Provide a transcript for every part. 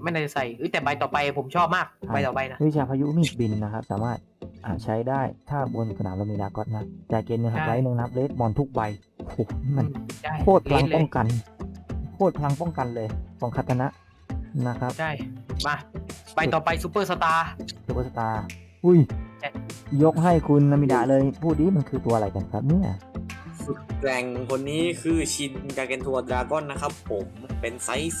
ไม่น่าจะใส่แต่ใบต่อไปผมชอบมากใบต่อไปนะวิชาพายุมีดบินนะครับสามารถใช้ได้ถ้าบนสนามเรามีดาร์กอสนะจ่ายเกณฑ์1 หักไลท์1 นับเลสบอลทุกใบโอ้โหมันโคตรพลังป้องกันโคตรพลังป้องกันเลยของคาตานะนะครับใช่มาใบต่อไปซูเปอร์สตาร์อุ้ยยกให้คุณนามิดะเลยพูดดิมันคือตัวอะไรกันครับเนี่ยสุดแกร่งคนนี้คือชินกาเกนทัวดราก้อนนะครับผมเป็นไซส์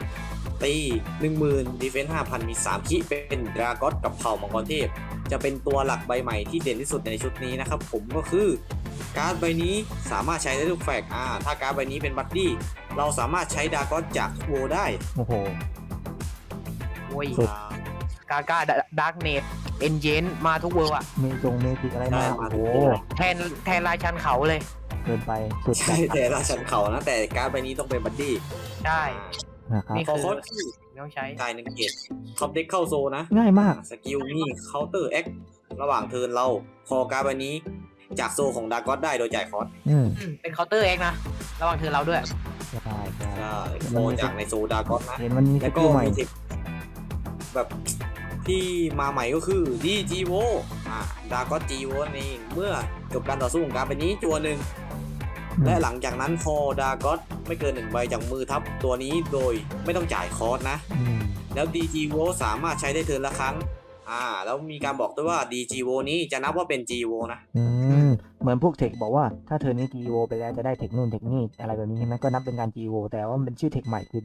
2ตี10,000ดีเฟนส์ 5,000 มี3คิเป็นดราก้อนกับเผ่ามังกรเทพจะเป็นตัวหลักใบใหม่ที่เด่นที่สุดในชุดนี้นะครับผมก็คือการ์ดใบนี้สามารถใช้ได้ทุกแฟกถ้าการ์ดใบนี้เป็นบัดดี้เราสามารถใช้ดราก้อนจากโวได้โอ้โหโอ้ยกาก้าดาร์กเนตเอ็นเจนมาทุกเวอร์อะเมจิกอะไรมาโอ้โหแทนราชันเขาเลยเกินไปสุดใช่แต่ราชันเขานะแต่การ์ดใบนี้ต้องเป็นบัดดี้ใช่นะครับนี่คือต้องใช้จ่าย1 เกตท็อปเด็กเข้าโซนะง่ายมากสกิลนี่เคาน์เตอร์แอคระหว่างเทิร์นเราคอการ์ดใบนี้จากโซของดาร์กอสได้โดยจ่ายคอสเป็นเคาน์เตอร์เองนะระหว่างเทิร์นเราด้วยใช่โคจากในโซดาร์กอสนะเห็นมันมีสกิลใหม่แบบที่มาใหม่ก็คือดีจีโวดาร์กอสจีโวนี่เมื่อจบการต่อสู้ของการ์ดใบนี้จัว1และหลังจากนั้นพอดาร์กอสไม่เกิน1 ใบจากมือทับตัวนี้โดยไม่ต้องจ่ายคอสนะแล้ว DG-V สามารถใช้ได้เทิร์นละครั้งแล้วมีการบอกด้วยว่า DG-V นี้จะนับว่าเป็น G-V นะเหมือนพวกเทคบอกว่าถ้าเทิร์นนี้ G-V ไปแล้วจะได้เทคนู่นเทคนี่อะไรแบบนี้ใช่ไหมก็นับเป็นการ G-V แต่ว่ามันเป็นชื่อเทคใหม่คือ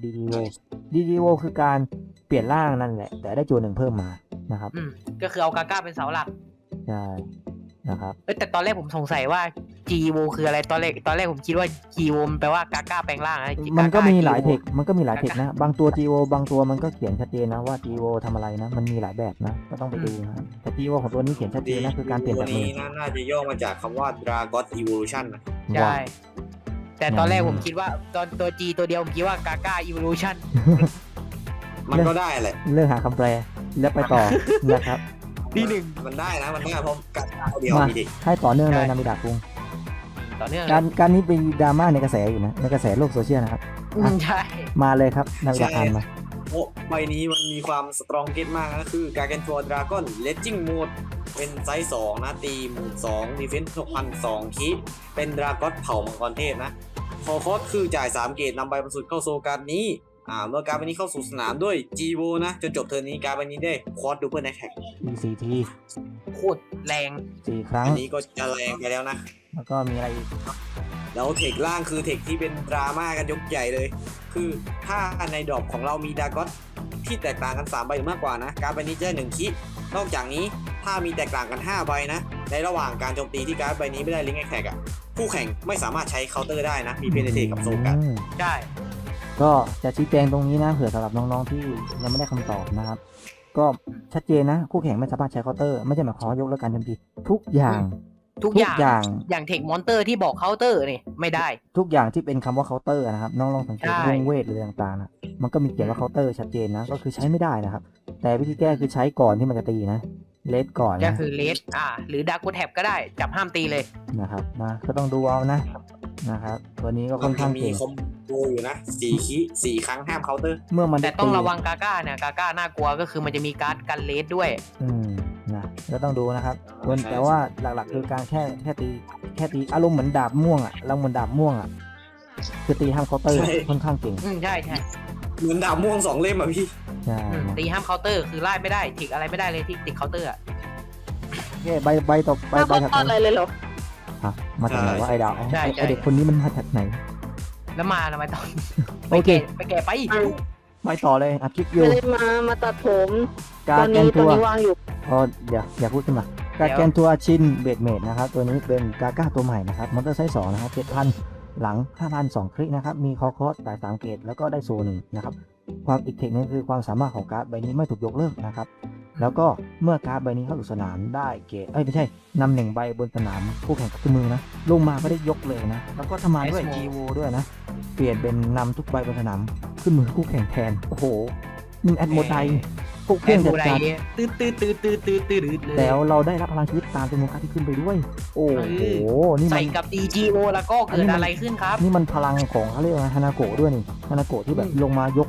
DG-V คือการเปลี่ยนร่างนั่นแหละแต่ได้จัว1เพิ่มมานะครับก็คือเอากาก้าเป็นเสาหลักใช่นะครับแต่ตอนแรกผมสงสัยว่า G-V คืออะไรตอนแรกผมคิดว่า G-V แปลว่ากาก้าแปลงร่างมันก็มีหลายเทคนะบางตัว G-V บางตัวมันก็เขียนชัดเจนนะว่า G-V ทำอะไรนะมันมีหลายแบบนะก็ต้องไปดูนะแต่ G-V ของตัวนี้เขียนชัดเจนนะคือการเปลี่ยนจากมือน่าจะย่อมาจากคำว่า Dragon Evolution นะใช่แต่ตอนแรกผมคิดว่าตัว G ตัวเดียวผมคิดว่ากาก้า Evolution มันก็ได้แหละเรื่องหาคำแปลแล้วไปต่อนะครับที่1 มันได้นะมันได้เพราะกัดเดียวมีดิให้ต่อเนื่องเลยนามิดะคุงต่อเนื่องการนี้เป็นดราม่าในกระแสอยู่นะในกระแสโลกโซเชียลนะครับใช่มาเลยครับนามิดะอ่านมาใบนี้มันมีความสตรองเก็ตมากนะคือการ์เกนทัวร์ดราก้อนเลจจิ้งโหมดเป็นไซส์2นะตี12,000ดีเฟนส์ 6,200 คิเป็นดราก้อนเผ่ามังกรเทพนะคอคอสคือจ่าย3 เกตนำใบบรรสุดเข้าโซการ์ดนี้เมื่อการ์ดใบนี้เข้าสู่สนามด้วย G-V นะจนจบเทิร์นนี้การ์ดใบนี้ได้ควอดดูเปิลแอทแทค 4 ทีโคตรแรง 4 ครั้งอันนี้ก็จะแรงไปแล้วนะแล้วก็มีอะไรอีกแล้วเทคล่างคือเทคที่เป็นดราม่ากันยกใหญ่เลยคือถ้าในดรอปของเรามีดาร์กอสที่แตกต่างกัน3 ใบหรือมากกว่านะการ์ดใบนี้จะได้1 คินอกจากนี้ถ้ามีแตกต่างกัน5 ใบนะในระหว่างการโจมตีที่การ์ดใบนี้ไม่ได้ลิงก์แอทแทคผู้แข่งไม่สามารถใช้เคาน์เตอร์ได้นะมีเพนเทกับโซกันใช่ก็จะชี้แจงตรงนี้นะเผื่อสำหรับน้องๆที่ยังไม่ได้คำตอบนะครับก็ชัดเจนนะคู่แข่งไม่สามารถใช้เคาน์เตอร์ไม่ใช่หมายความว่ายกเลิกการโจมตีทุกอย่างอย่างเทคมอนเตอร์ที่บอกเคาน์เตอร์นี่ไม่ได้ทุกอย่างที่เป็นคำว่าเคาน์เตอร์นะครับน้องลองสังเกตวงเวทหรือต่างๆนะมันก็มีเขียนว่าเคาน์เตอร์ชัดเจนนะก็คือใช้ไม่ได้นะครับแต่วิธีแก้คือใช้ก่อนที่มันจะตีนะเลสก่อนก็คือเลสหรือดาร์กแท็บก็ได้จับห้ามตีเลยนะครับนะก็ต้องดูเอานะครับตัวนี้ก็ค่อนข้างเก่งมีคอมโบอยู่นะ4 คิ4 ครั้งห้ามเคาน์เตอร์เมื่อมันแต่ต้องระวังกาก้าเนี่ยกาก้าน่ากลัวก็คือมันจะมีการ์ดกันเลสด้วยนะก็ต้องดูนะครับแต่ว่าหลักๆคือการแค่ตีอารมณ์เหมือนดาบม่วงเราเหมือนดาบม่วงคือตีห้ามเคาน์เตอร์ค่อนข้างเก่งใช่เหมือนดาบม่วง2 เล่มพี่ใช่ตีห้ามเคาน์เตอร์คือไล่ไม่ได้ถิกอะไรไม่ได้เลยที่ติดเคาน์เตอร์ใบต่อใบถัดไปอะไรเลยเหรอมาจากไหนว่าไอ้ดาวไอเด็กคนนี้มันมาจากไหนแล้วมาทำไมตอนโอเคไปแก่ไปต่อเลยคลิปอยู่มาตัดผมการแกนทัวร์วางอยู่อย่าพูดขึ้นมาการแกนทัวร์ชินเบดเมดนะครับตัวนี้เป็นกาก้าตัวใหม่นะครับมอนเตอร์ไซส์2นะครับ 7,000 หลัง 5,000 2 คลิกนะครับมีคอสจ่าย3 เกตแล้วก็ได้โซน1นะครับความอีกเทคนึงคือความสามารถของการ์ดใบนี้ไม่ถูกยกเลิกนะครับแล้วก็เมื่อการ์ดใบนี้เข้าสู่สนามได้เกตไม่ใช่นำ1 ใบบนสนามคู่แข่งขึ้นมือนะลงมาไม่ได้ยกเลยนะแล้วก็ทำมาด้วย G-V ด้วยนะเปลี่ยนเป็นนำทุกใบบนสนามขึ้นมือคู่แข่งแทนโอ้โหนี่แอดโมไดพวกเครื่องจัดการตื้อแล้วเราได้รับพลังชีวิตตามจำนวนการที่ขึ้นไปด้วยโอ้โหนี่ใส่กับ DG-V แล้วก็เกิดอะไรขึ้นครับนี่มันพลังของเขาเรียกว่าฮานาโกะด้วยนี่ฮานาโกะที่แบบลงมายกแล้ว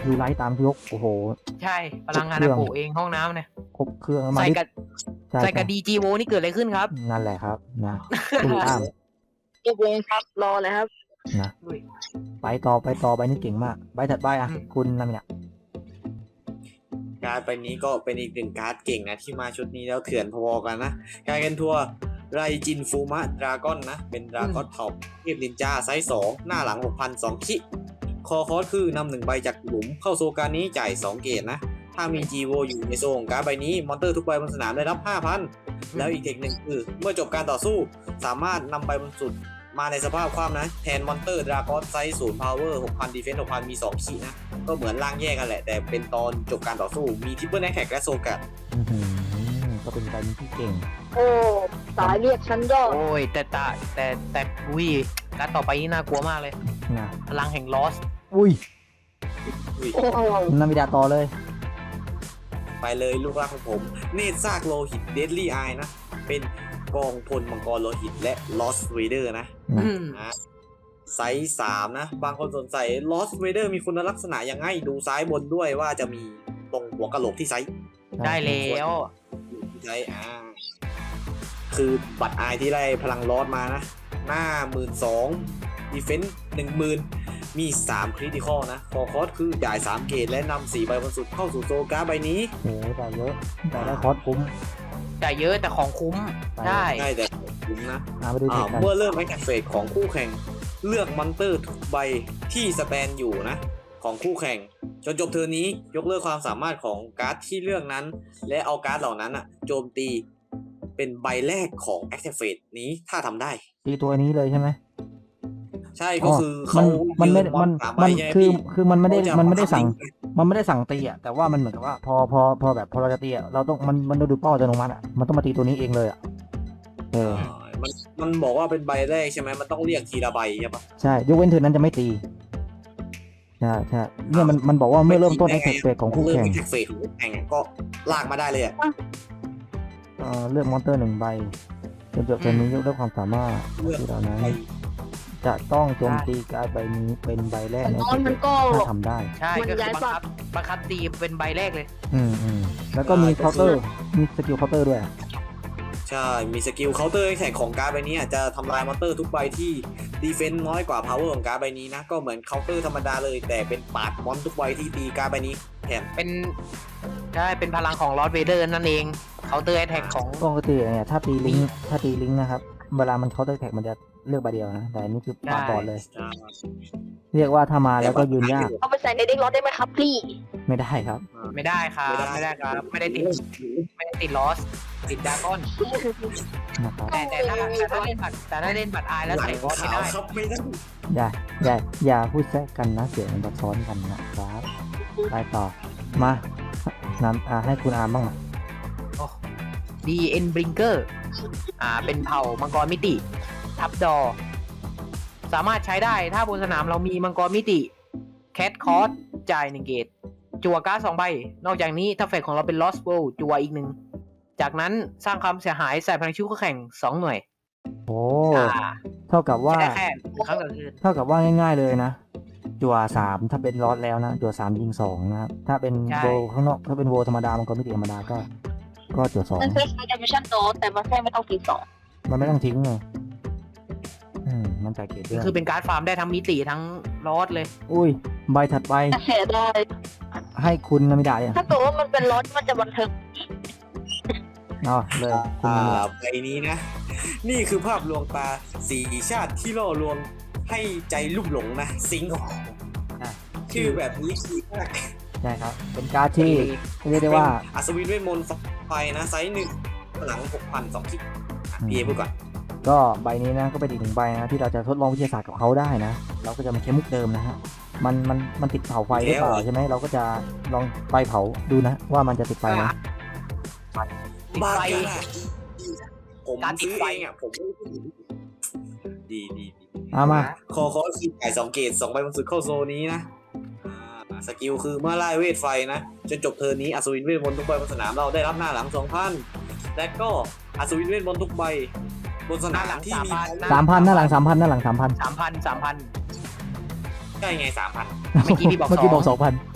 ยูไลท์ตามยกโอ้โหใช่พลังงานเครื่อาองโกเองห้องน้ำเนี่ยครบเครื่องมาใส่ดิกับใช่ใส่กับใช่ดีจีโวนี่เกิดอะไรขึ้นครับนั่นแหละครับนะคุณอ้ามตกลงครับรอเลยครับนะไปต่อใบนี้เก่งมากใบถัดไปอ่ะอืมคุณนามินะการ์ดใบนี้ก็เป็นอีกหนึ่งการ์ดเก่งนะที่มาชุดนี้แล้วเถื่อนพอๆกันนะการแกนทัวร์ไรจินฟูมะดราก้อนนะเป็นดราก้อนเผ่าเทพนินจาไซส์2หน้าหลัง 6,002 คิคอคอสคือนำหนึ่งใบจากหลุมเข้าโซการนี้จ่าย 2 เกตนะถ้ามีจีโวอยู่ในโซของการ์ดใบนี้มอนเตอร์ทุกใบบนสนามได้รับ 5,000 แล้วอีกเทคหนึ่งคือเมื่อจบการต่อสู้สามารถนำใบบนสุดมาในสภาพความนะแทนมอนเตอร์ดราก้อนไซส์0 power 6,000 defense 6,000 มี 2 ขีนะก็เหมือนร่างแยกกันแหละ แต่เป็นตอนจบการต่อสู้มีทิปเปิลแอคแท็กและโซกัดอื้อหือก็เป็นใบนี้ที่เก่งโอ้สายเรียกฉันก็โอ้ยแต่อุ้ยการดต่อไปนี่น่ากลัวมากเลยนะพลังแห่งลอสอุ้ยโอ้โหนามิดาต่อเลยไปเลยลูกรักของผม เนตรซากโลหิตเดดลี่ไอนะ เป็นกองพลมังกรโลหิตและลอสเวเดอร์นะนะนะไซส์3นะ บางคนสนใจลอสเวเดอร์มีคุณลักษณะยังไงดูซ้ายบนด้วยว่าจะมีตรงหัวกะโหลกที่ไซส์ได้แล้วที่ไซส์คือบัตรไอที่ได้พลังลอสมานะ หน้า 12,000ดีเฟนส์10,000 มี3คริติคอลนะคอคอสคือจ่าย3เกตและนำ4ใบบนสุดเข้าสู่โซการ์ดใบนี้โอ้โหแต่เยอะแต่ได้คอร์สคุ้มแต่เยอะแต่ของคุ้มได้ง่ายแต่คุ้มนะไปดูเทคกันเมื่อเริ่มแอคเฟสของคู่แข่งเลือกมอนเตอร์ทุกใบที่สแตนอยู่นะ ของคู่แข่ง จนจบเทอร์นนี้ยกเลิกความสามารถของการ์ดที่เลือกนั้น และเอาการ์ดเหล่านั้นอะโจมตีเป็นใบแรกของแอคเฟสนี้ถ้าทำได้ตีตัวนี้เลยใช่ไหมใช่ก็คือมัเขามันไม่ยืมันสาใบมันใช่ไหคือพี่คือมันไม่ได้เขาจะมันไม่ได้สั่งบัคับลิค์มันไม่ได้สั่งตีอ่ะแต่ว่ามันเหมือนกับว่าพอแบบพอเราจะตีอ่ะเราต้องมันดูเป้าอัตโนมัติอ่ะมันต้องมาตีตัวนี้เองเลยอ่ะเออมันบอกว่าเป็นใบแรกใช่ไหมมันต้องเรียกทีละใบใช่ปะใช่ยกเว้นเธอนั้นจะไม่ตีใช่ใช่เนี่ยมันบอกว่าเมื่อเริ่มต้นแอคเฟสของคู่แข่งเริ่มแอคเฟสของคู่แข่งอะก็ลากมาได้เลยอะเลือกมอนเตอร์หนึ่งใบจนจบเกมนี้ยกเลิกความสามารถเลือกที่เหล่านั้นใบจะต้องโจมตีการ์ดใบนี้เป็นใบแรกแต่ในน้องมันก็ถ้าทำได้ใช่มันก็คือย้ายบังคับตีเป็นใบแรกเลยแล้วก็มีเคาน์เตอร์มีสกิลเคาน์เตอร์ด้วยใช่ มีสกิลเคาน์เตอร์แข่งของการ์ดใบนี้อะจะทำลายมอนเตอร์ทุกใบที่ดีเฟนส์น้อยกว่าพาวเวอร์ของการ์ดใบนี้นะ ก็เหมือนเคาน์เตอร์ธรรมดาเลย แต่เป็นปาดมอนทุกใบที่ตีการ์ดใบนี้แทนเป็นใช่เป็นพลังของลอสเวเดอร์นั่นเองเคาน์เตอร์แอทแทกของปกติเนี่ยถ้าตีลิงก์นะครับ เวลามันเคาน์เตอร์แท็กมันจะเลือกใบเดียวนะ แต่อันนี่คือปาดบอดเลย เรียกว่าถ้ามาแล้วก็ยืนยากเอาไปใส่ในเด็กรถได้ไหมครับพี่ไม่ได้ครับไม่ได้ครับไม่ได้ครับไม่ได้ติดลอสติดดราก้อนนะครับแต่ถ้าเล่นบัตรอายแล้วหลัใส่งลอสไม่ขาวได้ครับไม่ได้อย่าพูดแทรกกันนะเสียงมันจะซ้อนกันนะครับ ไปต่อ มานำให้คุณอาร์มบ้างนะดีเอ็นบริงเกอร์เป็นเผ่ามังกรมิติ ทับดอ สามารถใช้ได้ถ้าบนสนามเรามีมังกรมิติแคทคอร์สจ่าย1 เกตจั่วการ์ด2 ใบ นอกจากนี้ถ้าเฟกของเราเป็นลอสโบจั่วอีก 1 จากนั้นสร้างความเสียหายใส่พลังชิ้วคู่แข่ง2 หน่วยโอ้เท่ากับว่าได้แค่ครั้งต่อคืนเท่ากับว่าง่ายๆเลยนะ จั่ว3ถ้าเป็นลอสแล้วนะ จั่ว3ยิง2นะครับ ถ้าเป็นโวข้างนอก ถ้าเป็นโวธรรมดา มันก็ไม่ติธรรมดาก็จั่วมันเป็นดิมิชั่นโตแต่มันแค่ไม่ต้องตีสอง 2มันไม่ต้องทิ้งไงมันจ่ายเกตด้วยคือเป็นการ์ดฟาร์มได้ทั้งมิติทั้งลอสเลยอุ้ย ใบถัดไปเสียได้ให้คุณนามิดาอ่ะถ้าเกิดว่ามันเป็นรถมันจะบันเทิงเอาเลยคุณนามิดาใบนี้นะ นี่คือภาพลวงตาสีชาติที่ล่อลวงให้ใจลุ่มหลงนะ สิงห์ชื่อแบบนี้คือมากใช่ครับ เป็นการ์ดที่เรียกได้ว่าเป็นอัศวินเวทมนต์ไฟนะไซส์1หลัง 6,002 คิกพี่เอพูดก่อนก็ใบนี้นะก็เป็นอีกหนึ่งใบนะที่เราจะทดลองวิทยาศาสตร์กับเขาได้นะ เราก็จะมาใช้มุกเดิมนะฮะมันติดเผาไฟหรือเปล่าใช่ไหมเราก็จะลองไฟเผาดูนะ ว่ามันจะติดไฟไหมติดบ้าไฟกันอะผมการติดซื้อไฟเองอ่ะผมไม่ได้พูดถึงดีเอามาคอคือจ่าย2 เกต2 ใบบนสุดเข้าโซนนี้นะสกิลคือเมื่อไล่เวทไฟนะจนจบเทิร์นนี้อัศวินเวทมนต์ทุกใบบนสนามเราได้รับหน้าหลัง 2,000 และก็อัศวินเวทมนต์ทุกใบบนสนามที่มี 3,000หน้าหลัง 3,000หน้าหลัง 3,000 3,000 ใช่ไง 3,000 เมื่อกี้พี่บอกเมื่อกี้บอก 2,000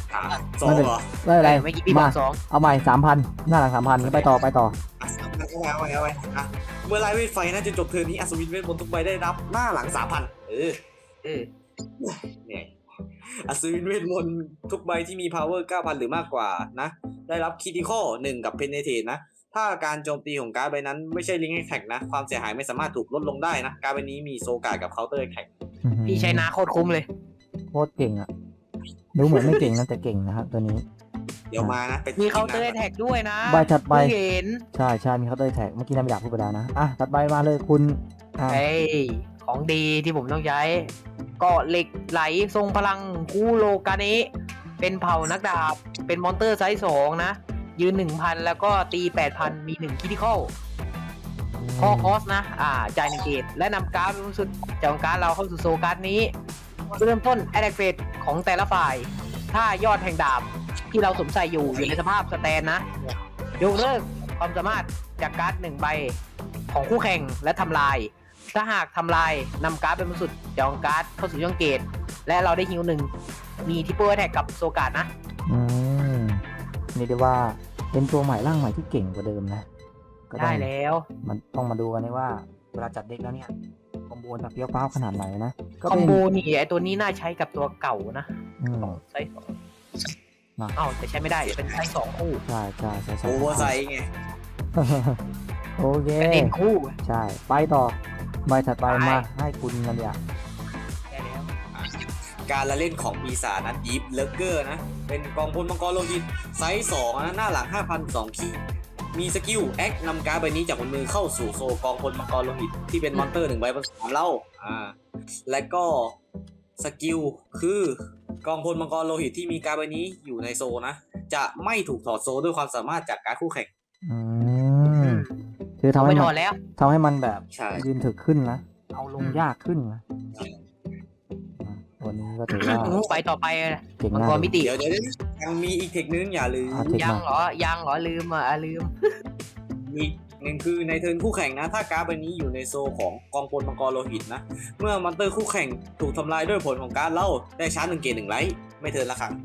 สองเหรอไม่เป็นไรเมื่อกี้พี่บอมากสองเอาใหม่3,000หน้าหลัง3,000ไปต่ออ่ะเอาไปอ่ะเมื่อไล่เวทไฟนะจนจบเทิร์นนี้อัศวินเวทมนต์ทุกใบได้รับหน้าหลัง 3,000 เออเนี่ยอัศวินเวทมนต์ทุกใบที่มี power 9,000 หรือมากกว่านะได้รับ critical 1 กับ penetrate นะถ้าการโจมตีของการ์ดใบนั้นไม่ใช่ link attack นะความเสียหายไม่สามารถถูกลดลงได้นะการ์ดใบนี้มีโซการ์ดกับ counter attack พี่ใช้นาโคตรคุ้มเลยโคตรเก่งอ่ะดูเหมือนไม่เก่งนะแต่เก่งนะครับตัวนี้เดี๋ยวมานะไปมีเคาน์เตอร์แท็กด้วยนะใบถัดไปเพิ่งเห็นใช่มีเขาด้วยแท็กเมื่อกี้น้ำอยากพูดไปแล้วนะถัดไปมาเลยคุณอ่ะเฮ้ยของดีที่ผมต้องใช้เกาะเหล็กไหลทรงพลังคูโรกาเนะเป็นเผ่านักดาบ เป็นมอนเตอร์ไซส์2นะ ยืน 1,000 แล้วก็ตี 8,000 มี1คิทิคอลพอคอสนะ จ่าย1เกตและนำการ์ดรู้สึกจากการ์ดเราเข้าสู่โซการ์ดนี้เริ่มต้นแอดเฟตของแต่ละฝ่าย ถ้ายอดแห่งดาบที่เราสวมใส่อยู่ในสภาพสแตนนะ ยกเลิกความสามารถจากการ์ด1ใบของคู่แข่งและทำลาย ถ้าหากทำลายนำการ์ดเป็นบนสุดจากการ์ดเข้าสู่ช่องเกตและเราได้ฮิว1มีทิปเปอร์แท็กกับโซการ์ดนะนี่ได้ว่าเป็นตัวใหม่ร่างใหม่ที่เก่งกว่าเดิมนะก็ได้แล้วมันต้องมาดูกันนะว่าเวลาจัดเด็กแล้วเนี่ยคอมโบจะเฟี้ยวฟ้าวขนาดไหนนะก็คอมเป็นโบนี่ไอตัวนี้น่าใช้กับตัวเก่านะอืมไซส์นะ 2แต่ใช้ไม่ได้เป็นไซส์2คู่ใช่ใช่โอเวอร์ไซส์ไงโอเคเป็นเอ็นคู่ใช่ไปต่อใบถัดไปไปมาให้คุณนันเดียได้แล้วการละเล่นของปีศาจนะดีฟเลเกอร์นะเป็นกองพลมังกรโลหิตไซส์2นะหน้าหลัง 5,002 คีมีสกิลแอคนำการ์ดใบนี้จากบนมือเข้าสู่โซกองพลมังกรโลหิตที่เป็นมอนเตอร์1ใบบนสนามเล่าและก็สกิลคือกองพลมังกรโลหิตที่มีการ์ดใบนี้อยู่ในโซนะจะไม่ถูกถอดโซด้วยความสามารถจากการ์ดคู่แข่งอืมคือทำไม่ให้ถมัอดนแล้วทำให้มันแบบใช่ยืนถึกขึ้นนะเอาลงอืมยากขึ้นนะตัวนี้ก็ถือว่าไปต่อไปเก่งมังมากกรมิติเดี๋ยวยังมีอีกเทคนึงอย่าลืมเทคยังมาเหรอยังเหรอลืมลืมมีหนึ่งคือในเทิร์นคู่แข่งนะ ถ้าการ์ดใบนี้อยู่ในโซของกองพลมังกรโลหิตนะ เมื่อมอนเตอร์คู่แข่งถูกทำลายด้วยผลของการ์ดเล่าได้ชาร์จ1 เกต 1 ไลท์ไม่เทิร์นละครั้ง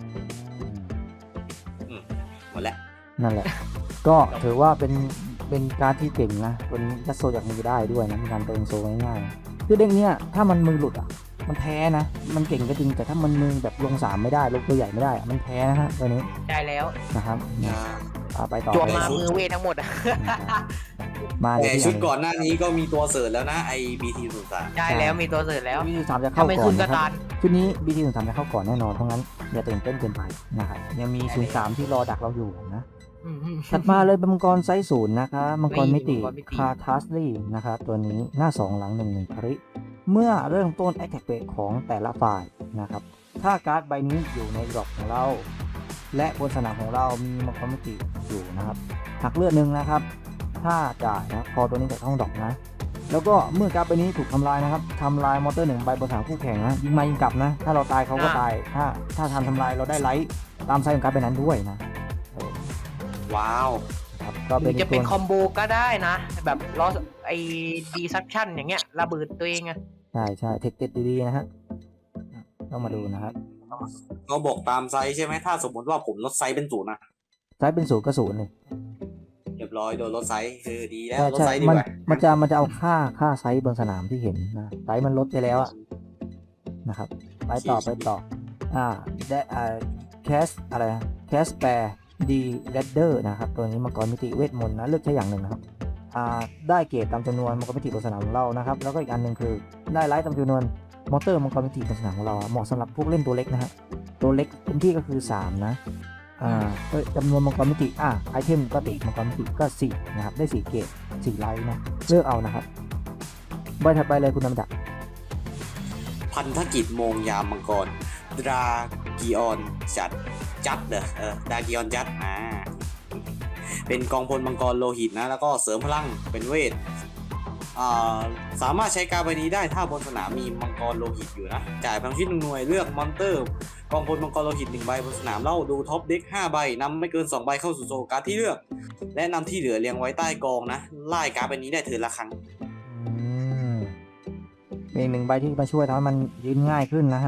หมดแล้วนั่นแหละ ก็ถือว่าเป็นการดที่เก่งนะตัวนี้ยัดโซจากมือได้ด้วยนะมีการเติมโซง่ายๆคือเด้งเนี้ยถ้ามันมือหลุดอ่ะมันแพ้นะมันเก่งก็จริงแต่ถ้ามันมือแบบลง3ไม่ได้ลงตัวใหญ่ไม่ได้อะมันแพ้นะฮะตัวนี้ได้แล้วนะครับไปต่อจวบเลยมามือเวททั้งหมดอะมาเลยแต่ที่ชุดอย่างก่อนหน้านี้ก็มีตัวเสริร์แล้วนะไอ BT03 ได้แล้วมีตัวเสริร์แล้ว BT 3จะเข้าถ้าไม่ก่อขึ้นนก็นะครับตานชุดนี้ BT 3จะเข้าก่อนแน่นอนเพราะงั้นอย่าตื่นเต้นเกินไปนะครับยังมี03ที่รอดักเราอยู่นะ ถัดมาเลยเป็นมังกรไซส์0นะคะมังกรมิติมังกรมิติคาทัสลี่นะครับตัวนี้หน้า 2 หลัง 1 คริเมื่อเริ่มต้นแอคแท็กเบรของแต่ละฝ่ายนะครับถ้าการ์ดใบนี้อยู่ในดรอปของเรา และบนสนามของเรามีมังกรมิติอยู่นะครับหักเลือดหนึ่งนะครับถ้าจ่ายนะพอตัวนี้จะต้องดรอปนะแล้วก็เมื่อการ์ดใบนี้ถูกทำลายนะครับทำลายมอเตอร์1ใบบนสนามคู่แข่งนะยิงมายิงกลับนะถ้าเราตายเขาก็ตายถ้าทำลายเราได้ไลท์ตามไซส์ของการ์ดใบนั้นด้วยนะว้าวครับก็หเป็รืนอจะเป็นตัวคอมโบก็ได้นะ แบบลอสไอ้ดีซับชั่นอย่างเงี้ยระเบิดตัวเองอะใช่เทคเด็ดดีๆนะฮะต้องมาดูนะครับเขาบอกตามไซส์ใช่ไหมถ้าสมมติว่าผมลดไซส์เป็น0นะไซส์เป็น0ก็0เลยเรียบร้อยโดนลดไซส์ดีแล้วใช่ลดใช่ไซส์ดีมันกว่ามันจะเอาค่าไซส์บนสนามที่เห็นนะไซส์มันลดไปแล้วอะนะครับไปต่อได้แคสอะไรแคสแปรดีเรดเดอร์นะครับตัวนี้มังกรมิติเวทมนต์นะเลือกใช้อย่างหนึ่งนะครับได้เกรดตามจำนวนมังกรมิติบนสนามของเรานะครับแล้วก็อีกอันหนึ่งคือได้ไลท์ตามจำนวนมอเตอร์มังกรมิติบนสนามของเราเหมาะสำหรับพวกเล่นตัวเล็กนะฮะตัวเล็กเต็มที่ก็คือ3นะจำนวนมังกรมิติไอเทมก็ติดมังกรมิติก็4นะครับได้4เกรด4ไลท์นะเลือกเอานะครับใบถัดไปเลยคุณน้ำดักพันธกิจโมงยามมังกรดรากิออนจัดเหรอดรากิออนจัดเป็นกองพลมังกรโลหิตนะแล้วก็เสริมพลังเป็นเวทสามารถใช้การ์ดใบนี้ได้ถ้าบนสนามมีมังกรโลหิตอยู่นะจ่ายพลังชีวิต1 หน่วยเลือกมอนเตอร์กองพลมังกรโลหิต1 ใบบนสนามเล่าดูท็อปเด็ก5 ใบนำไม่เกิน2 ใบเข้าสู่โซการ์ดที่เลือกและนำที่เหลือเรียงไว้ใต้กองนะไล่การ์ดใบนี้ได้เทิร์นละครั้งเป็น1 ใบที่มาช่วยทำให้มันยืนง่ายขึ้นนะฮะ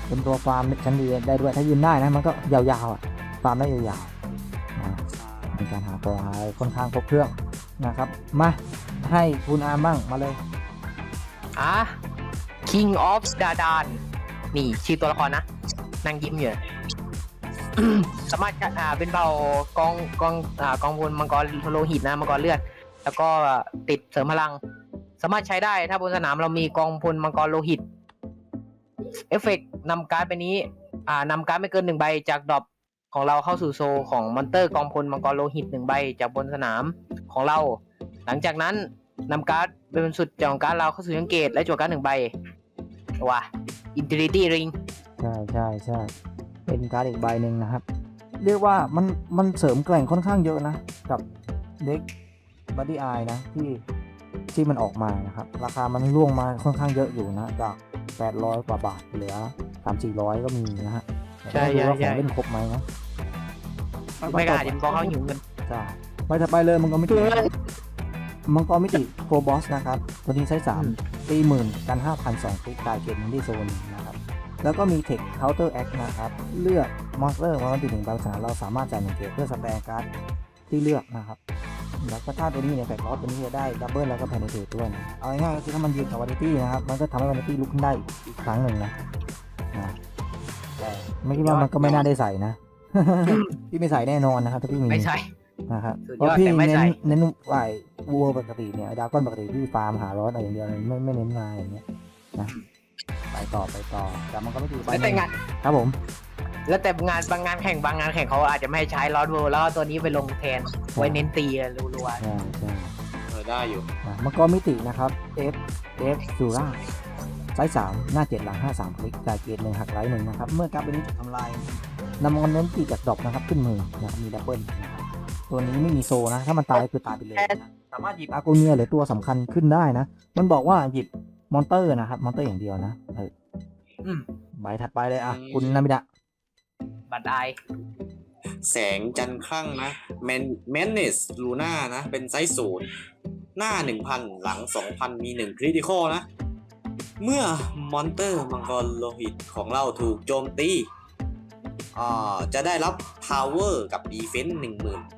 เป็นตัวฟาร์มชั้นดีได้ด้วยถ้ายืนได้นะมันก็ยาวๆอ่ะฟาร์มได้ยาวๆนะเป็นการหาตัวหาค่อนข้างครบเครื่องนะครับมาให้คุณอาร์มบ้างมาเลย King of Dadan นี่ชื่อตัวละครนะนั่งยิ้มอยู่ สามารถเป็นเผ่ากองพลมังกรโลหิตนะมังกรเลือด แล้วก็ติดเสริมพลัง สามารถใช้ได้ถ้าบนสนามเรามีกองพลมังกรโลหิตเอฟเฟกต์นำการ์ดไปนี้นำการ์ดไม่เกิน1ใบจากดรอปของเราเข้าสู่โซลของมอนเตอร์กองพลมังกรโลหิต1ใบจากบนสนามของเรา หลังจากนั้นนำการ์ดเป็นสุดจากการ์ดเราเข้าสู่ยังเกตและจั่วการ์ด1ใบว่ะ Infinity Ring ใช่เป็นการ์ดอีกใบหนึ่งนะครับ เรียกว่ามันเสริมแกร่งค่อนข้างเยอะนะกับเด็กบัดดี้อายนะที่มันออกมานะครับราคามันร่วงมาค่อนข้างเยอะอยู่นะจาก800 กว่าบาทเหลือ 300-400 ก็มีนะฮะใช่แต่ไม่รู้ว่าของเล่นครบไหมนะไม่กล้าจะบอกเขาหิวเงินจ้าไปถัดไปเลยมังกรมิติโกบอสนะครับตัวนี้ใช้3ตีหมื่นกัน 5,002 คลิกตายเกตที่โซนนะครับแล้วก็มีเทคเคาน์เตอร์แอคนะครับเลือกมอนสเตอร์วันติด1ใบสนามเราสามารถจ่าย1เกตเพื่อสแปร์การ์ดที่เลือกนะครับแล้วก็ถ้าตัวนี้เนี่ยแฟกลอสตัวนี้จะได้ดับเบิลแล้วก็แพนเทตด้วยนะเอาง่ายๆก็คือถ้ามันยืนกับวานิตี้นะครับมันก็ทำให้วานิตี้ลุกขึ้นได้อีกครั้งหนึ่งนะแต่ไม่คิดว่ามันก็ไม่น่าได้ใส่นะ พี่ไม่ใส่แน่นอนนะครับถ้าพี่มีไม่ใช่นะครับสุดยอดเพราะพี่แต่ไม่เน้ใส่นไหววัวปกติเนี่ยดราก้อนปกติพี่ฟาร์มหาร้อนอะไรอย่างเดียวเลยไม่เน้นมาอย่างเงี้ยนะไปต่อแต่มันก็ไม่ดีไปแล้วแต่งานครับผมแล้วแต่งานบางงานแข่งเขาอาจจะไม่ให้ใช้ลอสเวิลด์แล้วเอาตัวนี้ไปลงแทนไว้เน้นตีรัวใช่ได้อยู่นะมังกรมิตินะครับ F ซูร่าไซส์3หน้า7หลัง53คลิกจ่ายเกียร1หักไลท์1นะครับเมื่อการ์ดใบนี้ถูกทำลายนำมังกรมิติจากดรอปนะครับขึ้นมือนะครับมีดับเบิลนะครับตัวนี้ไม่มีโซนะถ้ามันตายก็คือตายไปเลยนะสามารถหยิบอาโกเนียหรือตัวสำคัญขึ้นได้นะมันบอกว่าหยิบมอนเตอร์นะครับมอนเตอร์อย่างเดียวนะใบถัดไปเลยคุณนามิดะๆบัตรไอแสงจันทร์คลั่งนะแมนเนสลูน่านะเป็นไซส์0หน้า 1,000 หลัง 2,000 มี1คริติคอลนะ เมื่อมอนเตอร์มังกรโลหิตของเราถูกโจมตีจะได้รับ Power กับ Defense 10,000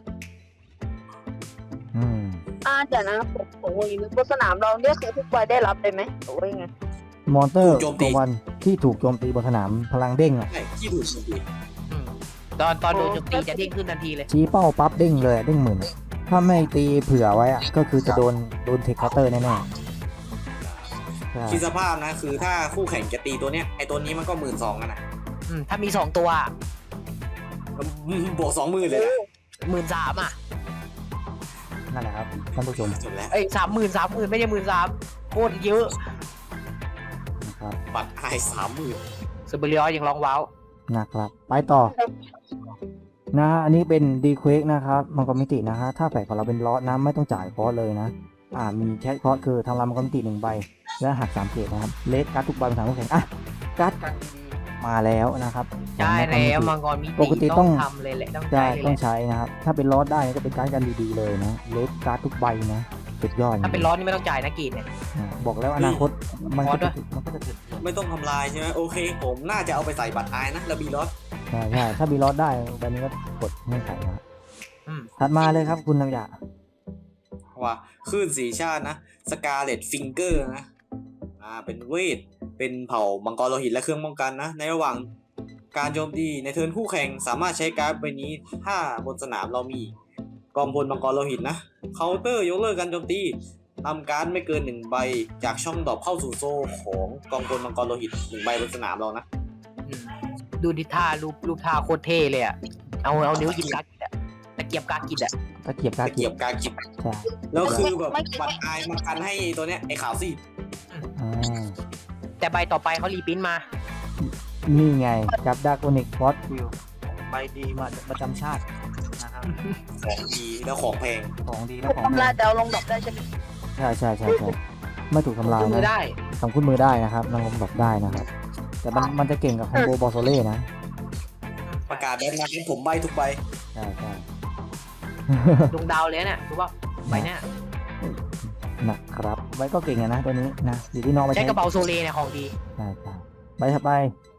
เดี๋ยวนะผมนึกบนสนามเราเนี่ยคือทุกใบได้รับเลยไหมหรือว่ายังไงมอนเตอร์ถูกโจมตีตัววันที่ถูกโจมตีบนสนามพลังเด้งอ่ะใช่ที่ถูกโจมตีตอนโดนโจมตีจะเด้งขึ้นทันทีเลยชี้เป้าปั๊บเด้งเลยเด้งหมื่นถ้าไม่ตีเผื่อไว้อะก็คือจะโดนเทคเคาน์เตอร์แน่ๆใช่คิดสภาพนะคือถ้าคู่แข่งจะตีตัวเนี้ยไอตัวนี้มันก็ 12,000กันนะถ้ามี2ตัวบวก 20,000 เลยนะ 13,000อ่ะนั่นแหละครับท่านผู้ชมจบแล้วเอ้ย30,000ไม่ใช่13,000โคตรเยอะนะครับบัตรไอ30,000 เซเบริออยังร้องว้าวนะครับไปต่อนะอันนี้เป็นดีเควกนะครับมังกรมิตินะฮะถ้าแฝกของเราเป็นลอสนะไม่ต้องจ่ายคอร์สเลยนะมีแค่คอร์สคือทำลายมังกรมิติ1ใบและหัก3เกรดนะครับเลสการ์ดทุกใบเป็นทางคู่แข่งการ์ดมาแล้วนะครับใช่แล้วมังกรมิปกติติต้ต้ออง งทำเลยแหละต้องใช่ใช้เลยต้องแหละใช้นะครับถ้าเป็นลอสได้ก็เป็นการ์ดกันดีๆเลยนะเลสการ์ดทุกใบนะสุดยอดถ้าเป็นร้อนนี่ไม่ต้องจ่ายนะกีดเนี่ยบอกแล้วอนาคตมันก็จะเกิดไม่ต้องทำลายใช่ไหมโอเค ผมน่าจะเอาไปใส่บัตรไอนะแล้วบีลอสใช่ถ้ามีลอสได้ใบนี้ก็กดเงื่อนไขนะถัดมาเลยครับคุณนามิดะว่าคลื่นสีชาตินะสกาเลตฟิงเกอร์นะเป็นเวทเป็นเผ่ามังกรโลหิตและเครื่องป้องกันนะในระหว่างการโจมตีในเทิร์นคู่แข่งสามารถใช้การ์ดใบนี้ถ้าบนสนามเรามีกองพลมังกรโลหิตนะเคาน์เตอร์ยกเลิกการโจมตีนำการ์ดไม่เกิน1ใบจากช่องดรอปเข้าสู่โซ่ของกองพลมังกรโลหิต1ใบบนสนามเรานะดูดิท่ารูปท่าโคตรเท่เลยอ่ะเอานิ้วหยิบการ์ดอะตะเกียบการ์ดกิดอ่ะตะเกียบกาตะเกียบกากิบใช่แล้วคือแบบบัตรไอมากันให้ตัวเนี้ยไอขาวซีดแต่ใบต่อไปเขารีปริ้นท์มานี่ไงกับดาร์กอนิกฟอสฟิลใบดีมาประจำชาตินะครับของดีแล้วของแพงของดีและของทำลายแต่เอาลงดอกได้ใช่ไหมใช่ไม่ถูกทำลายมือนะได้ทำคุ้นมือได้นะครับนางลมดอกได้นะครับแต่มันจะเก่งกับคอมโบบอลโซเล่นะประกาศแบบนั้นผมใบทุกใบใช่ดวงดาวเลยเนี่ยรู้ป่ะใบเนี่ยนะครับใบก็เก่งนะตัวนี้นะอยู่ที่น้องไปใช้กระเป๋าโซเลเนี่ยของดีใช่ใบถัดไป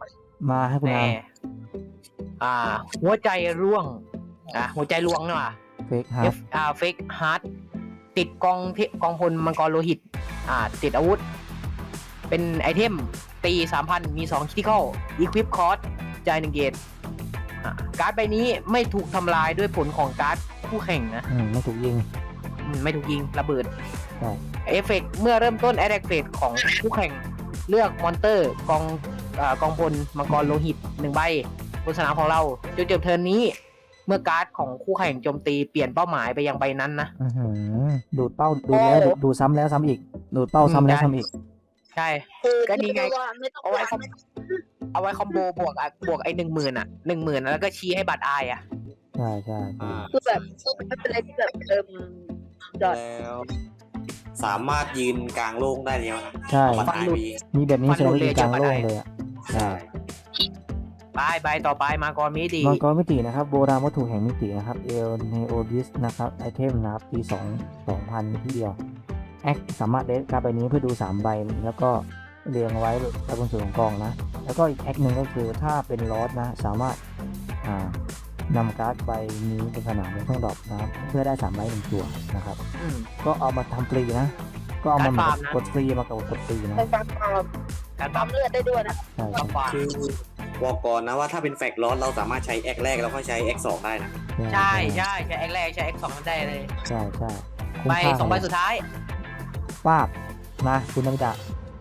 มาให้คุณแน่อามหัวใจร่วงหัวใจลวงเนาะเฟกฮาร์ดเฟกฮาร์ดติดกองพลมังกรโลหิตติดอาวุธ เป็นไอเทมตี 3,000 มี2คิติคอลอีควิปคอร์สจ่าย1 เกตการ์ดใบนี้ไม่ถูกทำลายด้วยผลของการ์ดคู่แข่งนะไม่ถูกยิงไม่ถูกยิงระเบิดใช่เอฟเฟกต์เมื่อเริ่มต้นแอดแอคเฟกของคู่แข่งเลือกมอนเตอร์กองพลมังกรโลหิต1 ใบบนสนามของเราจนจบเทิร์นนี้ เมื่อการ์ดของคู่แข่งโจมตีเปลี่ยนเป้าหมายไปยังใบนั้นนะดูดเป้าดูแล้วดูซ้ำแล้วซ้ำอีก ดูดเป้าซ้ำแล้วซ้ำอีกใช่คือก็นี่ไงไม่ต้องเอาไว้คอมโบบวกไอ้10,000แล้วก็ชี้ให้บัตรอายใช่ใช่คือแบบไม่เป็นอะไรที่แบบจอดแล้วสามารถยืนกลางโล่งได้แล้วนะใช่มันหลุดมีแบบนี้แสดงว่ายิงกลางโล่งเลยอ่ะใช่ใบต่อไปมาก่อนมีดีมังกรมิตินะครับโบราณวัตถุแห่งมิตินะครับเอลเนโอดิสนะครับไอเทมนะครับปี2,000ที่เดียวแอคสามารถเดสการ์ดใบนี้เพื่อดู3 ใบแล้วก็เรียงไว้บนส่วนของกองนะแล้วก็อีกแอคหนึ่งก็คือถ้าเป็นลอสนะสามารถนำการ์ดใบนี้เป็นขนาดในช่องดรอปนะครับเพื่อได้3 ใบ1 ตัวนะครับ ก็เอามาทำฟรีนะ ก็เอามาการฟาร์มนะกดฟรีมากดฟรีนะเป็นการปั๊มเลือดได้ด้วยนะใช่ต่อใช่ไปคือบอกก่อนนะว่าถ้าเป็นแฟกลอสเราสามารถใช้แอคแรกแล้วก็ใช้แอคสองได้นะใช่ใช่แอคแรกใช้แอค2ได้เลยใช่ใช่ใบ2 ใบสุดท้ายป้าบมาคุณนามิตะ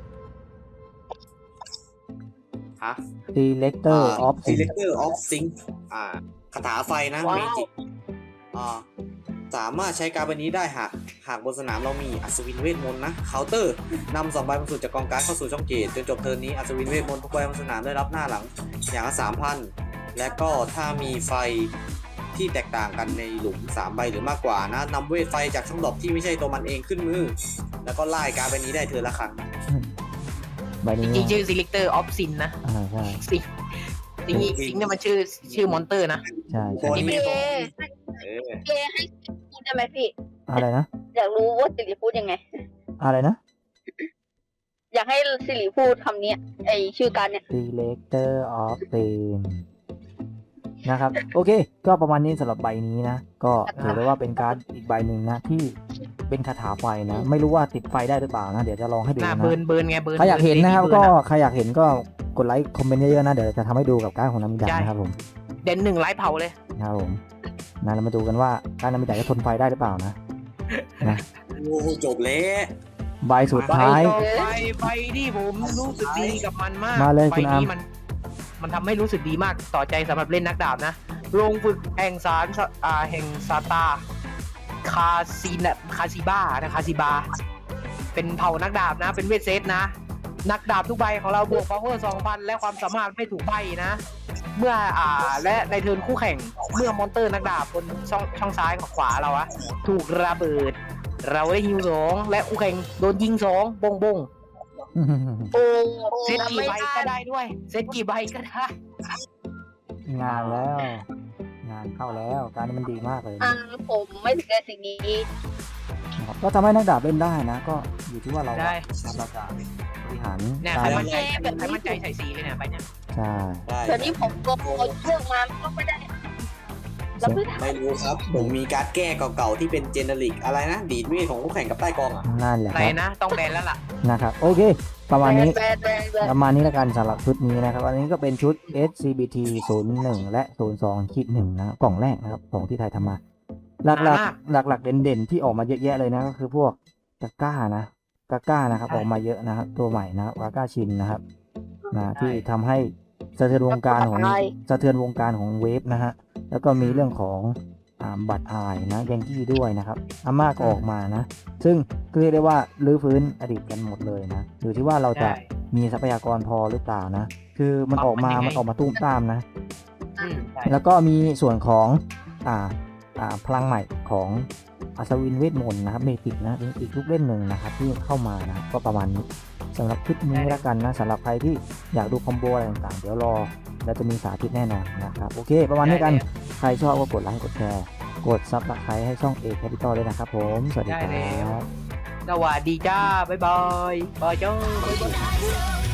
ฮะ Selector of Sin Selector of Sync คาถาไฟนะว้าวเมจิกสามารถใช้การ์ดใบนี้ได้หากบนสนามเรามีอัศวินเวทมนต์นะเคาน์เตอร์นำ2 ใบบนสุดจากกองการ์ดเข้าสู่ช่องเกตจนจบเทิร์นนี้อัศวินเวทมนต์ทุกใบบนสนามได้รับหน้าหลังอย่างละ 3,000 และก็ถ้ามีไฟที่แตกต่างกันในหลุม3 ใบหรือมากกว่านะนำเวทไฟจากช่องดรอปที่ไม่ใช่ตัวมันเองขึ้นมือ แล้วก็ไล่การ์ดใบนี้ได้เทิร์นละครั้งใบนี้จริงๆชื่อ Selector of Sin นะใช่ซิงเนี่ยมันชื่อมอนเตอร์นะใช่ตัวใช่นี้พี่ไม่เอพี่เอให้พูดได้ไหมพี่อะไรนะอยากรู้ว่าสิริพูดยังไงอะไรนะอยากให้สิริพูดคำนี้ไอชื่อการเนี่ย Selector of Sin นะครับ โอเค ก็ประมาณนี้สำหรับใบนี้นะ ก็ถือได้ว่าเป็นการ์ดอีกใบหนึ่งนะที่เป็นคาถาไฟนะ ไม่รู้ว่าติดไฟได้หรือเปล่านะ เดี๋ยวจะลองให้ดูหน้านะเบิร์นไงเบิร์นใครอยากเห็นนะครับเบิก็ร์ใครอยากเห็นก็กดไลค์คอมเมนต์เยอะๆนะ เดี๋ยวจะทำให้ดูกับการ์ดของนามิดะนะครับผมเด่น1 ไลฟ์เผาเลยนะครับผมนะเรามาดูกันว่าการนามิดะจะทนไฟได้หรือเปล่านะโอ้โหจบแล้วใบสุดท้ายไฟที่ผมรู้สึกดีกับมันมากมาเลยไฟคุณอาร์มนี้มันทำให้รู้สึกดีมากต่อใจสำหรับเล่นนักดาบนะโรงฝึกแห่งแห่งซาตาคาซิบาเป็นเผ่านักดาบนะ เป็นเวทเซตนะ นักดาบทุกใบของเราบวก power 2,000 และความสามารถไม่ถูกใบนะ เมื่อและในเทิร์นคู่แข่งเมื่อมอนเตอร์นักดาบบนช่องซ้ายกับขวาเราถูกระเบิด เราได้ฮิว2และคู่แข่งโดนยิง2บงบงโอ้เซตกี่ใบก็ได้ด้วย เซตกี่ใบก็ได้งานแล้ว งานเข้าแล้วการนี้มันดีมากเลยนะผมไม่ถึงในสิ่งนี้นะครับก็ทำให้นักดาบเล่นได้นะ ก็อยู่ที่ว่าเราได้เราจะบริหารเนี่ยกาใครรมั่นใจใส่สีเลยเนี่ยไปเนี่ยใช่ได้แต่นี่ผมก็เอาเชือกมาก็ไม่ได้แล้วไม่ได้ไม่รู้ครับผมมีการ์ดแก้เก่าๆที่เป็นเจเนริกอะไรนะดีดเวทของคู่แข่งกับใต้กองอ่ะนั่นแหละไหคน รับนะต้องแบนแล้วล่ะนะครับโอเค ประมาณนี้แบนประมาณนี้แล้วกันสำหรับชุดนี้นะครับอันนี้ก็เป็นชุด SCBT 01 และ 02-1 นะครับกล่องแรกนะครับของที่ไทยทำมาหลักมากๆหลักๆเด่นๆที่ออกมาเยอะแยะเลยนะก็คือพวกกาก้านะกาก้านะครับใช่ออกมาเยอะนะครับตัวใหม่นะครับกาก้าชินนะครับนะที่ทำให้สะเทือนวงการของเวฟนะฮะแล้วก็มีเรื่องของบัตรอายนะยังกี้ด้วยนะครับอาม่าก็ออกมานะ ซึ่งเรียกได้ว่ารื้อฟื้นอดีตกันหมดเลยนะอยู่ที่ว่าเราจะใช่มีทรัพยากรพอหรือเปล่านะ คือมันออกมามันยังไงมันออกมาตุ้มตามนะใช่แล้วก็มีส่วนของพลังใหม่ของอัศวินเวทมนต์นะครับเมจิกนะเป็นอีกลูกเล่นหนึ่งนะครับที่เข้ามานะก็ประมาณนี้สำหรับคลิปนี้แล้วกันนะสำหรับใครที่อยากดูคอมโบอะไรต่างๆ เดี๋ยวรอแล้วจะมีสาธิตแน่นอนนะครับโอเค ประมาณนี้กันใครชอบก็กดไลค์กดแชร์กดซับสไครต์ให้ช่อง A Capital ด้วยนะครับผมสวัสดีคได้รัแล้วบสวัสดีจ้า บ๊ายบาย บายจ้า Bye.